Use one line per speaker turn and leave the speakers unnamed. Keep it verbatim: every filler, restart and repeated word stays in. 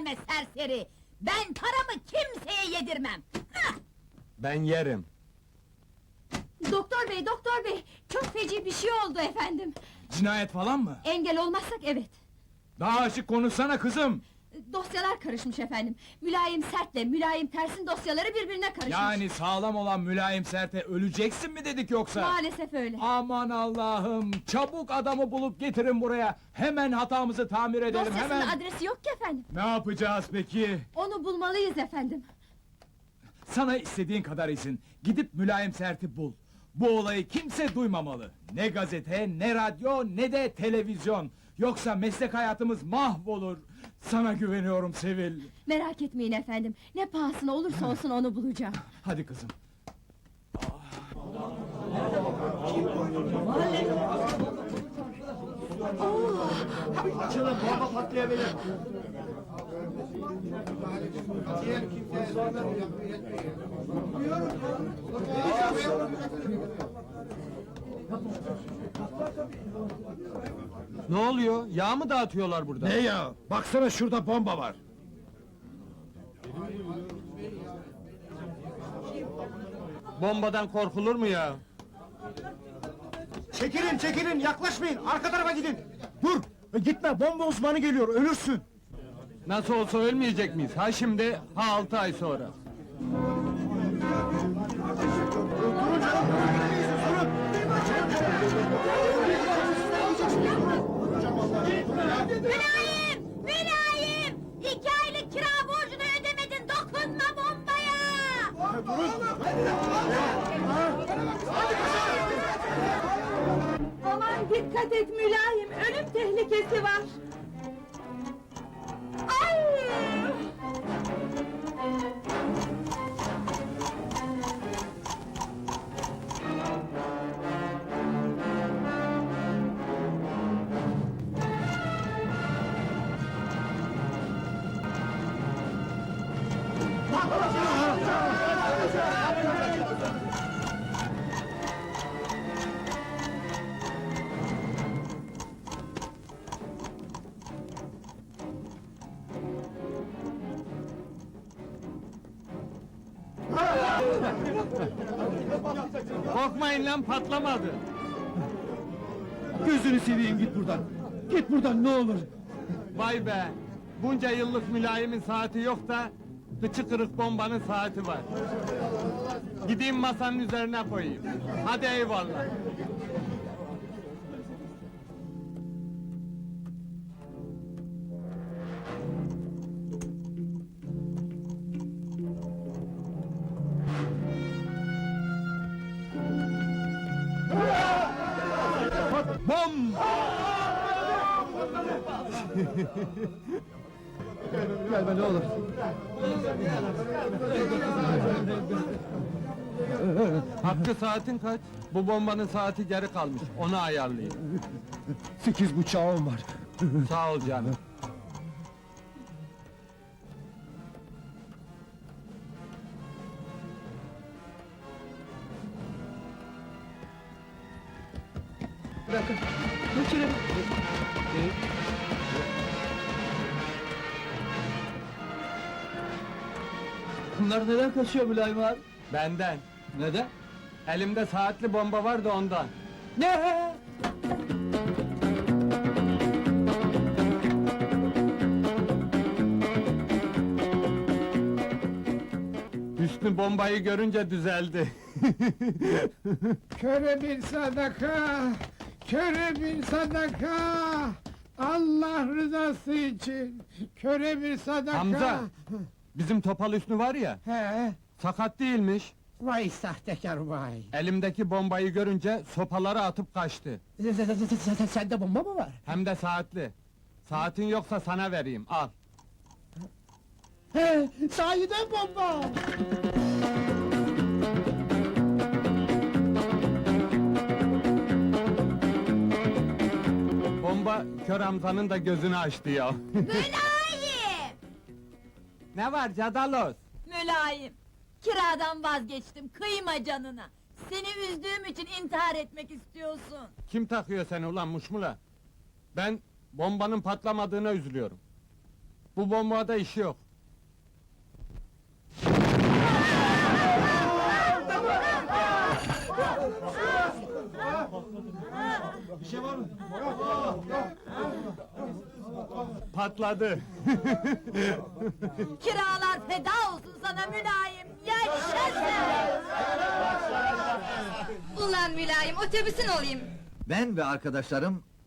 gelme serseri! Ben paramı kimseye yedirmem! Hah!
Ben yerim.
Doktor bey, doktor bey! Çok feci bir şey oldu efendim!
Cinayet falan mı?
Engel olmazsak evet!
Daha açık konuşsana kızım!
Dosyalar karışmış efendim! Mülayim sertle, mülayim tersin dosyaları birbirine karışmış!
Yani sağlam olan mülayim serte öleceksin mi dedik yoksa?
Maalesef öyle!
Aman Allah'ım! Çabuk adamı bulup getirin buraya! Hemen hatamızı tamir edelim,
Dosyasının
hemen!
adresi yok ki efendim!
Ne yapacağız peki?
Onu bulmalıyız efendim!
Sana istediğin kadar izin, gidip mülayim serti bul! Bu olayı kimse duymamalı! Ne gazete, ne radyo, ne de televizyon! Yoksa meslek hayatımız mahvolur! Sana güveniyorum Sevil!
Merak etmeyin efendim, ne pahasına olursa olsun onu bulacağım!
Hadi kızım!
Açılın, bomba patlayabilir. Ne oluyor? Yağ mı dağıtıyorlar burada?
Ne ya? Baksana şurada bomba var.
Bombadan korkulur mu ya?
Çekilin, çekilin, yaklaşmayın, arka tarafa gidin! Dur! e, Gitme, bomba uzmanı geliyor, ölürsün!
Nasıl olsa ölmeyecek miyiz? Ha şimdi, ha altı ay sonra.
Mülayim! Mülayim! İki aylık kira borcunu ödemedin, dokunma bombaya!
Aman dikkat et mülayim, ölüm tehlikesi var! Ay!
Korkmayın lan, patlamadı!
Gözünü seveyim, git buradan! Git buradan, ne olur!
Vay be! Bunca yıllık mülayimin saati yok da... ...kıçı kırık bombanın saati var. Gideyim masanın üzerine koyayım. Hadi eyvallah! Bom!
Gelme ne olur!
Hakkı saatin kaç? Bu bombanın saati geri kalmış, onu ayarlayayım.
Sekiz bıçağım var!
Sağ ol canım.
Bırakın! Geçirin! Bunlar neden kaçıyor mülayim abi?
Benden.
Neden?
Elimde saatli bomba var da ondan.
Ne?
Hüsnü bombayı görünce düzeldi.
Köre bir sadaka, köre bir sadaka. Allah rızası için, köre bir sadaka.
Hamza! Bizim topal Hüsnü var ya,
He,
sakat değilmiş.
vay sahtekar vay.
Elimdeki bombayı görünce sopaları atıp kaçtı.
Sende bomba mı var?
Hem de saatli. Saatin yoksa sana vereyim, al.
He, sahiden bomba.
Bomba kör Hamza'nın da gözünü açtı ya.
Mülayim!
Ne var Cadalos?
Mülayim! Kiradan vazgeçtim, kıyma canına! Seni üzdüğüm için intihar etmek istiyorsun!
Kim takıyor seni ulan muşmula? Ben bombanın patlamadığına üzülüyorum. Bu bombada iş yok. Patladı.
Kiralar feda olsun sana mülayim. Yaşasın!
Ulan mülayim, otobüsün olayım!
Ben ve arkadaşlarım